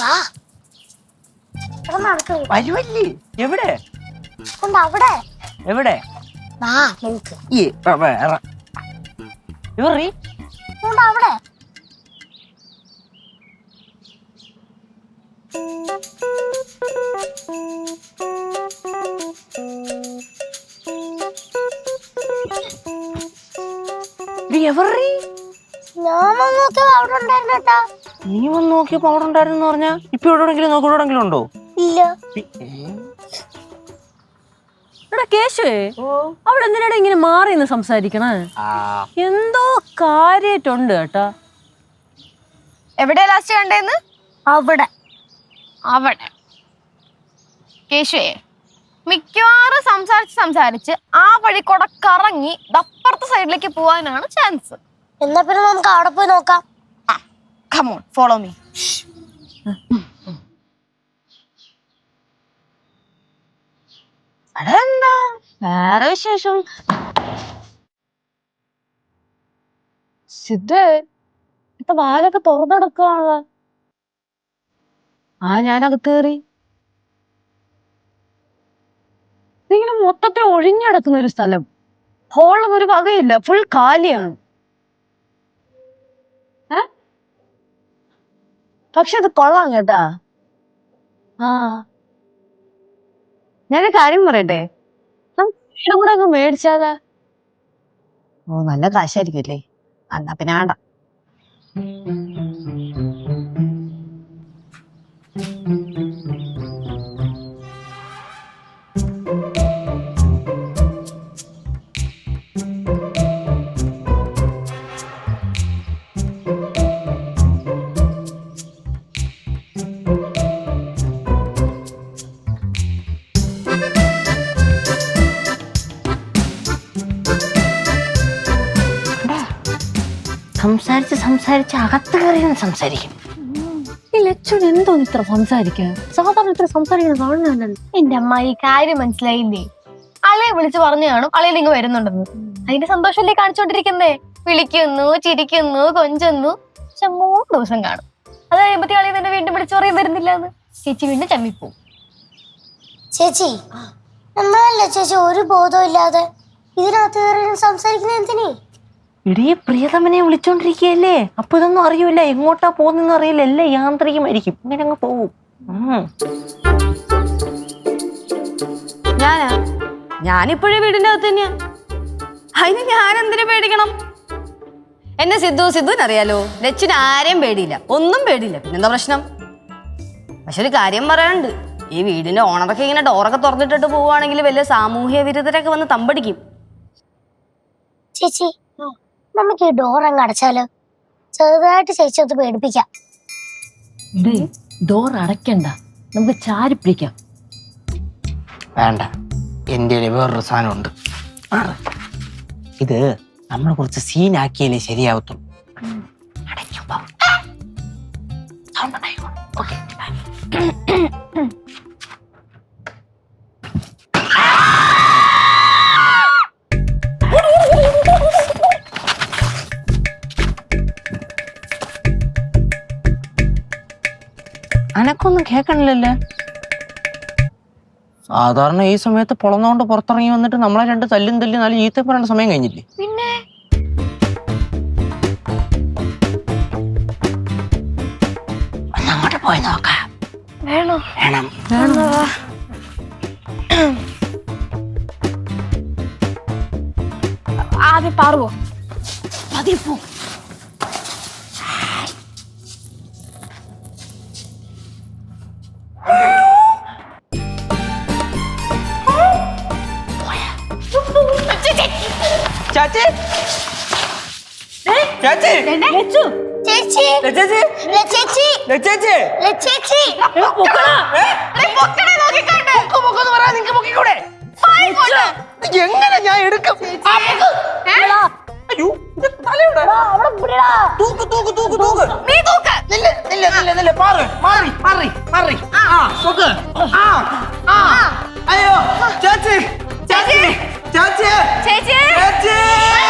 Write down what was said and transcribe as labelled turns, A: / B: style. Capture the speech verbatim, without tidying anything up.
A: വരുവല്ലേ? എവിടെ
B: അവിടെ
A: എവിടെ ഇവറി
B: അവിടെ
A: എവറി
B: ഞാൻ നോക്കിയപ്പോ അവിടെ ഉണ്ടായിരുന്നു കേട്ടാ.
A: നീ വന്ന് നോക്കിയപ്പോ അവിടെ ഉണ്ടായിരുന്നു പറഞ്ഞാ ഇപ്പൊ എവിടെയെങ്കിലും നോക്കി എവിടെയെങ്കിലും ഉണ്ടോ?
B: ഇല്ല.
C: എടാ കേശുവേ, അവിടെ എന്തിനാണ് ഇങ്ങനെ മാറി നിന്ന് സംസാരിക്കണേ? എന്തോ കാര്യായിട്ടുണ്ട് കേട്ടാ.
D: എവിടെയാ ലാസ്റ്റ് കണ്ടേന്ന്?
B: അവിടെ
D: അവിടെ കേശുവേ, മിക്കവാറും സംസാരിച്ച് സംസാരിച്ച് ആ വഴി കൂടെ കറങ്ങി അപ്പുറത്തെ സൈഡിലേക്ക് പോവാനാണ് ചാൻസ്.
B: എന്നാ പിന്നെ നമുക്ക് അവിടെ പോയി നോക്കാം.
D: Come on, follow me.
C: അതെന്താ വേറെ വിശേഷം? സിദ്ധേ, ഇപ്പൊ വാലൊക്കെ തുറന്നെടുക്കാണല്ലോ. ആ ഞാനകത്ത് കയറി. ഇങ്ങനെ മൊത്തത്തിൽ ഒഴിഞ്ഞടക്കുന്ന ഒരു സ്ഥലം. ഹോളും ഒരു വകയില്ല, ഫുൾ കാലിയാണ്. ഏ പക്ഷെ അത് കൊള്ളാം കേട്ടാ. ആ ഞാനൊരു കാര്യം പറയട്ടെ, വീടും കൂടെ അങ്ങ് മേടിച്ചാലാ? ഓ നല്ല കാശായിരിക്കുമല്ലേ? എന്നാ പിന്നെ വേണ്ട.
A: സംസാരിച്ച് സംസാരിച്ച് അകത്ത് കയറി സംസാരിക്കും.
C: ഈ ലച്ചുൻ എന്തോന്ന് ഇത്ര സംസാരിക്കാൻ? സാധാരണ ഇത്ര സംസാരിക്കുന്ന കാണുന്നല്ലോ.
D: എന്റെ അമ്മ ഈ കാര്യം മനസ്സിലായില്ലേ? അളയെ വിളിച്ച് പറഞ്ഞു കാണും അളയിൽ ഇങ്ങ് വരുന്നുണ്ടെന്ന്. അതിന്റെ സന്തോഷമല്ലേ കാണിച്ചോണ്ടിരിക്കുന്നേ? വിളിക്കുന്നു, ചിരിക്കുന്നു, കൊഞ്ചുന്നു. പക്ഷെ മൂന്ന് ദിവസം കാണും. അത് കഴിയുമ്പത്തി അളയെ തന്നെ വീണ്ടും വിളിച്ചു പറയും വരുന്നില്ല എന്ന്. ചേച്ചി വീണ്ടും ചമ്മിപ്പോവും.
B: ചേച്ചി നമ്മളല്ലേ ചേച്ചി ഒരു ബോധവും ഇല്ലാതെ ഇതിനകത്ത് കയറി സംസാരിക്കുന്ന എന്തിനീ?
A: ഇടീ പ്രിയതമനെ വിളിച്ചോണ്ടിരിക്കുകയല്ലേ, അപ്പൊ ഇതൊന്നും അറിയൂല, എങ്ങോട്ടാ പോകുന്നെന്ന് അറിയില്ല, എല്ലാം യാന്ത്രികമായിരിക്കും. ഇങ്ങനെ അങ്ങ് പോവും.
C: ഞാനാ ഞാനിപ്പോഴേ വീടിന്റെ അകത്ത് തന്നെയാ. അതിന് ഞാൻ എന്തിനു പേടിക്കണം? എന്നെ സിദ്ധു സിദ്ധുവിനറിയാലോ. ലച്ചിന് ആരെയും പേടിയില്ല, ഒന്നും പേടിയില്ല. പിന്നെന്താ പ്രശ്നം? പക്ഷെ ഒരു കാര്യം പറയാനുണ്ട്. ഈ വീടിന്റെ ഓണറൊക്കെ ഇങ്ങനെ ഡോറൊക്കെ തുറന്നിട്ടിട്ട് പോവുകയാണെങ്കിൽ വലിയ സാമൂഹ്യ വിരുദ്ധരൊക്കെ വന്ന് തമ്പടിക്കും.
B: ചേച്ചി നമുക്ക് ഈ ഡോർ അങ്ങ് അടച്ചാലോ? ചെറുതായിട്ട് ചേച്ചി ഒന്ന് പേടിപ്പിക്കാം.
C: ഡോർ അടയ്ക്കണ്ട, നമുക്ക് ചാരി പിടിക്കാം.
A: വേണ്ട, എന്റെ വേറൊരു സാധനമുണ്ട്. ഇത് നമ്മൾ കുറച്ച് സീനാക്കിയാലേ ശരിയാവത്തുള്ളൂ. അടയ്ക്കുമ്പോ സൗണ്ട് ഉണ്ടായിക്കോ. ഓക്കെ, അനക്കൊന്നും കേക്കണില്ലല്ലേ? സാധാരണ ഈ സമയത്ത് പൊളന്നോണ്ട് പുറത്തിറങ്ങി വന്നിട്ട് നമ്മളെ രണ്ട് തല്ലും തല്ലി നല്ല ഈത്ത പറയേണ്ട സമയം കഴിഞ്ഞില്ലേ?
D: പിന്നെ
A: അങ്ങോട്ട് പോയി നോക്കാം.
D: വേണോ?
A: വേണം.
D: ആദ്യം പാറുവോ?
C: അതിൽ പോ.
A: ചാച്ചി ചാച്ചി
B: ചേച്ചി
A: ചേച്ചി
B: ചേച്ചി
A: ചേച്ചി
B: ചേച്ചി
A: എങ്ങനെ ഞാൻ എടുക്കും? അയ്യോ, ഇത് തലയുടെ തൂക്ക് തൂക്ക് തൂക്ക് തൂക്ക്.
D: നീ തൂക്ക്.
A: നില്ല നില്ല നില്ല നില്ല മാറി മാറി മാറി മാറി. ആ തൂക്ക്. ആ ആ അയ്യോ ചേച്ചി ചേച്ചി ചേച്ചി
D: ചേച്ചി
A: ചേച്ചി